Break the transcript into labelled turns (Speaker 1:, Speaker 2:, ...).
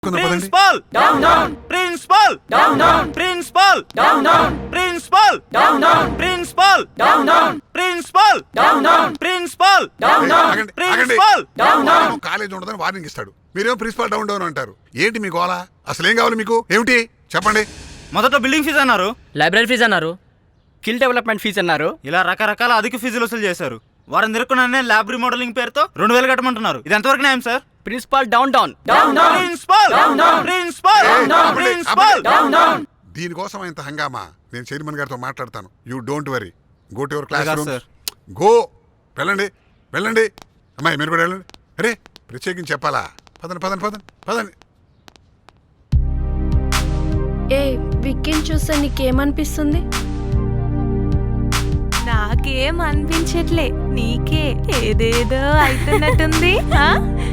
Speaker 1: Principal! Down, down! Principal! Down, down! Principal! Down, down! Principal! Down, down! Principal! Down, down! Principal! Down, down! Principal! Down, down! Principal! Down, down!
Speaker 2: College ఉండదని warning ఇస్తాడు, మీరేమో principal down down అంటారు. ఏంటి మీ గోళ? అసలు ఏం కావాలి మీకు? ఏమిటి చెప్పండి.
Speaker 1: మొదట బిల్డింగ్ ఫీజు అన్నారు,
Speaker 3: లైబ్రరీ ఫీజు అన్నారు, స్కిల్ డెవలప్మెంట్ ఫీజు అన్నారు.
Speaker 1: ఇలా రకరకాల అధిక ఫీజులు వసూలు చేశారు. వారం తిరుక్కునే ల్యాబ్ రీమోడలింగ్ పేరుతో 2000 కట్టమంటున్నారు. ఇది ఎంతవరకు న్యాయం sir?
Speaker 3: Principal down down
Speaker 1: principal principal principal
Speaker 2: దీనికోసం ఇంత హంగామా. నేను చైర్మన్ గారితో మాట్లాడతాను. You don't worry. Go to your classroom. Go. వెళ్ళండి వెళ్ళండి. అమ్మాయి మీరు కూడా వెళ్ళండి. అరే ప్రత్యేకించి చెప్పాలా? పదండి పదండి పదండి పదండి.
Speaker 4: ఏ విక్కీని చూస్తే నీకేమనిపిస్తుంది?
Speaker 5: నాకేం అనిపించట్లే, నీకే ఏదేదో అవుతున్నట్టుంది.